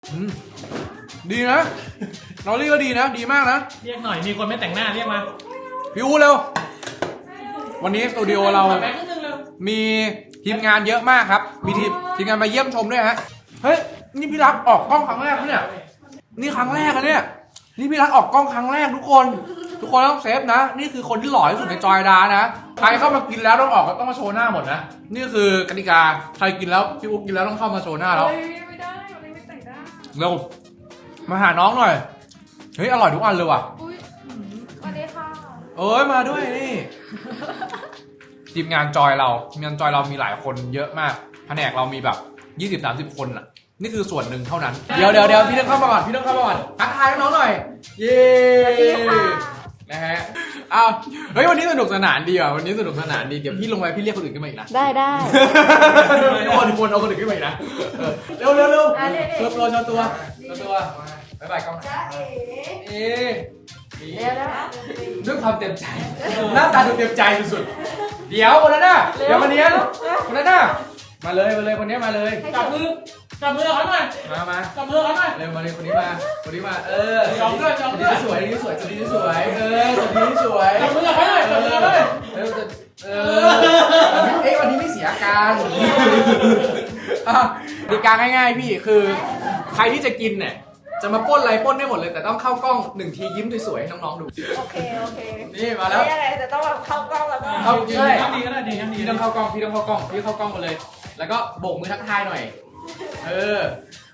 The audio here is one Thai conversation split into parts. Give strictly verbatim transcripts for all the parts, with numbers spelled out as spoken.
ดีนะนอรี่ก็ดีนะดีมากนะเรียกหน่อยมีคนไม่แต่งหน้าเรียกมาพี่อูเร็ววันนี้สตูดิโอเรามีทีมงานเยอะมากครับมีทีมทีมงานมาเยี่ยมชมด้วยฮะเฮ้ยนี่พี่รักออกกล้องครั้งแรกเนี่ยนี่ครั้งแรกอะเนี่ยนี่พี่รักออกกล้องครั้งแรกทุกคนทุกคนต้องเซฟนะนี่คือคนที่หล่อที่สุดในจอยดานะใครเข้ามากินแล้วต้องออกก็ต้องมาโชว์หน้าหมดนะนี่คือกติกาใครกินแล้วพี่อุ๊บกินแล้วต้องเข้ามาโชว์หน้าแล้วไม่ได้วันนี้ไม่แต่งหน้าเร็วมาหาน้องหน่อยเฮ้ยอร่อยทุกอันเลยว่ะอุ้ยสวัสดีค่ะเอ้ยมาด้วยนี่ทีมงานจอยเราทีมงานจอยเรามีหลายคนเยอะมากแผนกเรามีแบบ ยี่สิบถึงสามสิบ คนอ่ะนี่คือส่วนหนึ่งเท่านั้นเดี๋ยวเดี๋ยวเดี๋ยวพี่ต้องเข้ามาก่อนพี่ต้องเข้ามาก่อนทักทายน้องหน่อยเย้นะฮะอ้าวเฮ้ยวันนี้สนุกสนานดีอ่ะวันนี้สนุกสนานดีเดี๋ยวพี่ลงไปพี่เรียกคนอื่นขึ้นมาอีกนะได้ได้ทุกคนทุกคนเอาคนอื่นขึ้นมาอีกนะเร็วเร็วเร็วโชว์ตัวโชว์ตัวโชว์ตัวบ๊ายบายกล้องจ้าเอ๋เอ๋ด้วยความเต็มใจหน้าตาดูเต็มใจสุดๆเดี๋ยวคนนั้นน่ะเดี๋ยววันนี้คนนั้นน่ะมาเลยมาเลยคนนี้มาเลยจับมือจับมือเขาหน่อยมามาจับมือเขาหน่อยเร็วมาเลยคนนี้มาคนนี้มาเออจองด้วยจองด้วยสวยดีสวยดีสวยเออสวยดีสวยจับมือเขาหน่อยจับมือเขาหน่อยเออเออเอ้วันนี้ไม่เสียอาการดีการง่ายๆพี่คือใครที่จะกินเนี่ยจะมาป้นอะไรป้นได้หมดเลยแต่ต้องเข้ากล้องหนึ่งทียิ้มสวยๆให้น้องๆดูโอเคโอเคนี่มาแล้วนี่อะไรจะต้องแบบเข้ากล้องแล้วก็เข้าจริงเลยดีก็ได้ดีดีพี่ต้องเข้ากล้องพี่ต้องเข้ากล้องพี่เข้ากล้องมาเลยแล้วก็โบกมือทักทายหน่อยเออ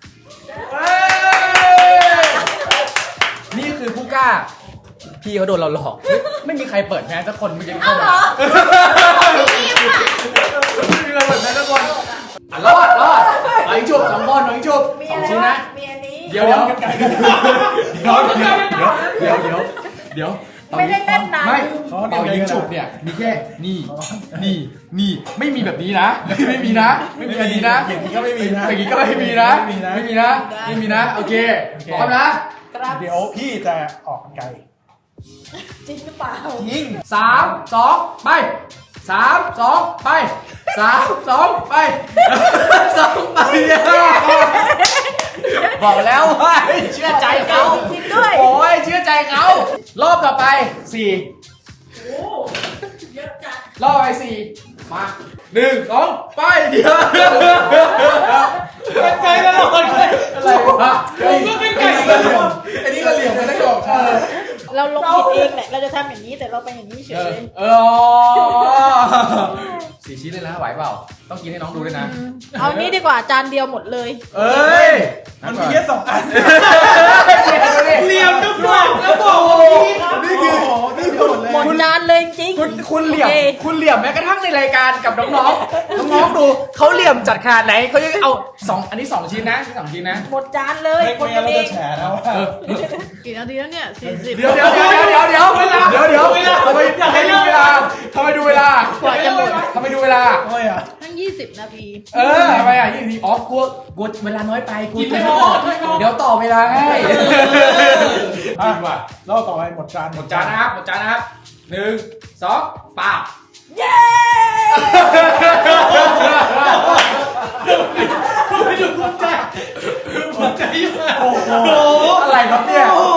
นี่คือผู้กล้าพี่เขาโดนเราหลอกไม่มีใครเปิดแมสสักคนเมื่อกี้เข้ามาไม่มีใครเปิดแมสสักคนรอดรอดหน่อยจุบสองคนหน่อยจุบสองชิ้นนะเดี๋ยวเดี๋ยวเดี๋ยวเดี๋ยวเดี๋ยวเดี๋ยวเดี๋ยวไม่ได้เต้นนานไม่เป่ายิงฉุบเนี่ยมีแค่นี่นี่นี่ไม่มีแบบนี้นะไม่มีนะไม่มีแบบนี้นะอย่างนี้ก็ไม่มีนะอย่างนี้ก็ไม่มีนะไม่มีนะไม่มีนะไม่มีนะโอเคพร้อมนะเดี๋ยวพี่จะออกไกลจริงหรือเปล่ายิงสามสองไปสามสองไปสามสองไปสองไปบอกแล้วว่าเชื่อใจเขาโอ้ยเชื่อใจเขารอบต่อไปสี่รอบไปสี่มาหนึ่งสองไปเดี๋ยวเป็นไก่ตลอดเลยอะไรวะผมก็เป็นไก่ตลอดไอ้นี่ก็เหลี่ยมไปทั้งดอกเราลงผิดเองแหละเราจะทำอย่างนี้แต่เราไปอย่างนี้เฉยเออสี่ชิ้นเลยนะไหวเปล่าต้องกินให้น้องดูด้วยนะเอานี้ดีกว่าจานเดียวหมดเลยเอ้ยมันมีแค่สองอันเหลี่ยมทุกดอกแล้วบอกนี่คือนี่คือหมดเลยหมดจานเลยจริงคุณคุณเหลี่ยมคุณเหลี่ยมแม้กระทั่งในรายการกับน้องๆน้องๆดูเขาเหลี่ยมจัดขนาดไหนเขาจะเอาสองอันนี้สองชิ้นนะสองชิ้นนะหมดจานเลยคนเองแฉนะว่ากี่นาทีแล้วเนี่ยสี่สิบเดี๋ยวเดี๋ยวเดี๋ยวเดี๋ยวเดี๋ยวเวลาเดี๋ยวเดี๋ยวทำไมทำไมดูเวลาทำไมดูเวลากว่าจะหมดทำไมดูเวลาทำไมอ่ะทั้งยี่สิบนาทีเออทำไมอ่ะยี่สิบนาทีอ๋อกลัวกลัวเวลาน้อยไปกลัวจะหมดเดี๋ยวต่อเวลาให้จริงว่ะรอบต่อไปหมดจานหมดจานนะครับหมดจานนะครับหนึ่งสองป้าเย้ไม่ดูหัวใจหัวใจโอ้โหอะไรครับเนี่ย